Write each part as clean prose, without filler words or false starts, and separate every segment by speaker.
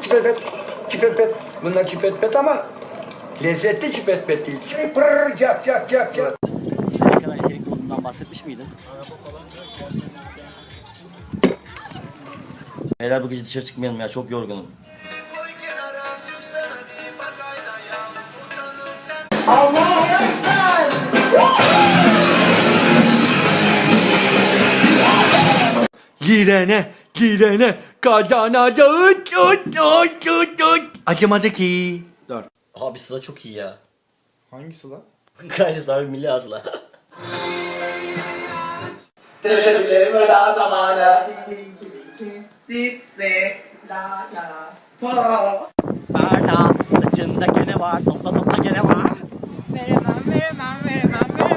Speaker 1: çipet. Çipet. Bunlar çipet ama lezzetli çipet değil. Pırr cak.
Speaker 2: Size ne kadar yetenekli olduğundan bahsetmiş miydin? Beyler bu gece dışarı çıkmayalım ya, çok yorgunum.
Speaker 3: Girene kazanacağız. Acımadı ki. 4.
Speaker 2: Abi Sıla çok iyi ya.
Speaker 3: Hangisi lan?
Speaker 2: Gayri sahibi milli asla.
Speaker 4: Televizyonun daha zamanı. Dipsi. La la.
Speaker 2: Barda saçında gene var, topla gene var.
Speaker 5: Veremem.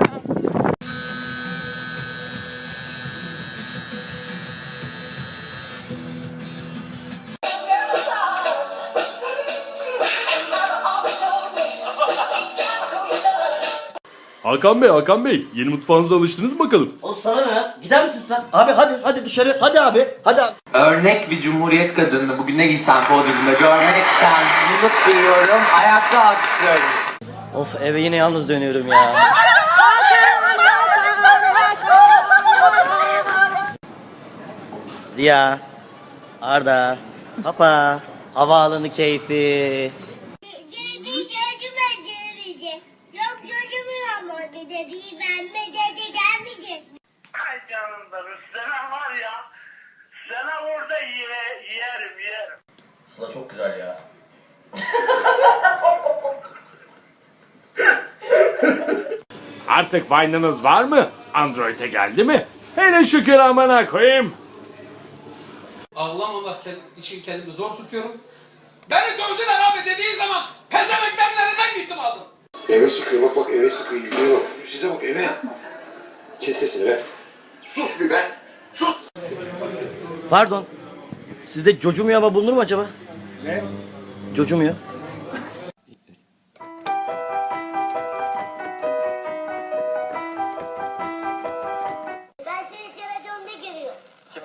Speaker 3: Hakan Bey, yeni mutfağınıza alıştınız mı bakalım?
Speaker 2: Oğlum sana ne ya? Gider misin lan? Abi hadi dışarı. Hadi abi.
Speaker 4: Örnek bir cumhuriyet kadını bugün ne giysem podyumda görmekten mutluluk duyuyorum. Ayakta alkışlıyorum.
Speaker 2: Of, eve yine yalnız dönüyorum ya. Ziya, Arda, Papa, havaalanı keyfi.
Speaker 6: Yok çocuğum ama bir de bir benme dedi gelmeyecek.
Speaker 7: Ay canım benim, sana var ya, sana orada yerim.
Speaker 2: Sıla çok güzel ya.
Speaker 8: Artık Vine'ınız var mı? Android'e geldi mi? Hele şükür amına koyayım.
Speaker 9: Allah'ım için kendimi zor tutuyorum. Beni dövdüler abi dediğin zaman pezemeklerin elinden gittim aldım.
Speaker 10: Eve sıkıyor bak eve sıkıyor gidiyor. Size bak eve. Kes sesini be. Sus bir be. Sus.
Speaker 2: Pardon. Sizde cocumuyor ama bulunur mu acaba? Ne? Cocumuyor.
Speaker 6: Ben seni televizyonda görüyorum. Kime?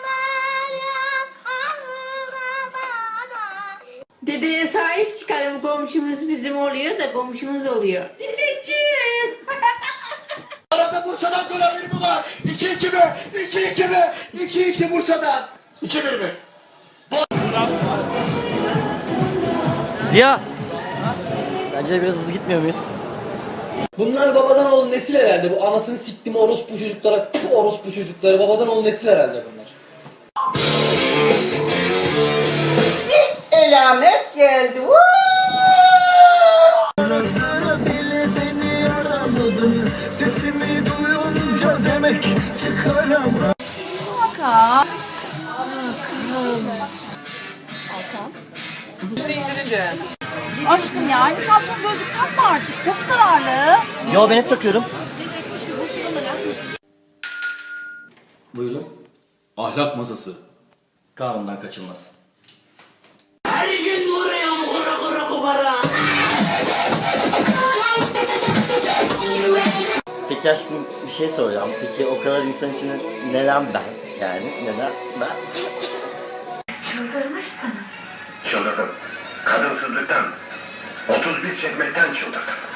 Speaker 5: Dedeye sahip çıkalım, komşumuz bizim oluyor da komşumuz oluyor. Dedeciğim.
Speaker 9: Arada Bursa'dan gol bir mi var? 2-2 mi? 2-2 mi? 2-2 Bursa'dan. 2-1 mi?
Speaker 2: Ziya! Sence de biraz hızlı gitmiyor muyuz?
Speaker 11: Bunlar babadan oğlu nesil herhalde. Bu anasını siktim orospu çocuklara, orospu çocukları. Babadan oğlu nesil herhalde bunlar.
Speaker 4: Elamet geldi.
Speaker 3: Sesimi duyunca demek çıkaramam.
Speaker 5: Hakan. Aşkım ya, imitasyon gözlük takma artık. Çok zararlı.
Speaker 2: Yo, ben hep takıyorum. Buyurun.
Speaker 3: Ahlak masası.
Speaker 2: Kanundan kaçılmaz.
Speaker 5: Her gün vuruyorum kubara.
Speaker 2: Peki aşkım, bir şey soracağım. Peki o kadar insan içinde neden ben? Yani neden ben?
Speaker 7: Çıldırdım. Kadınsızlıktan, 31 çekmekten çıldırdım.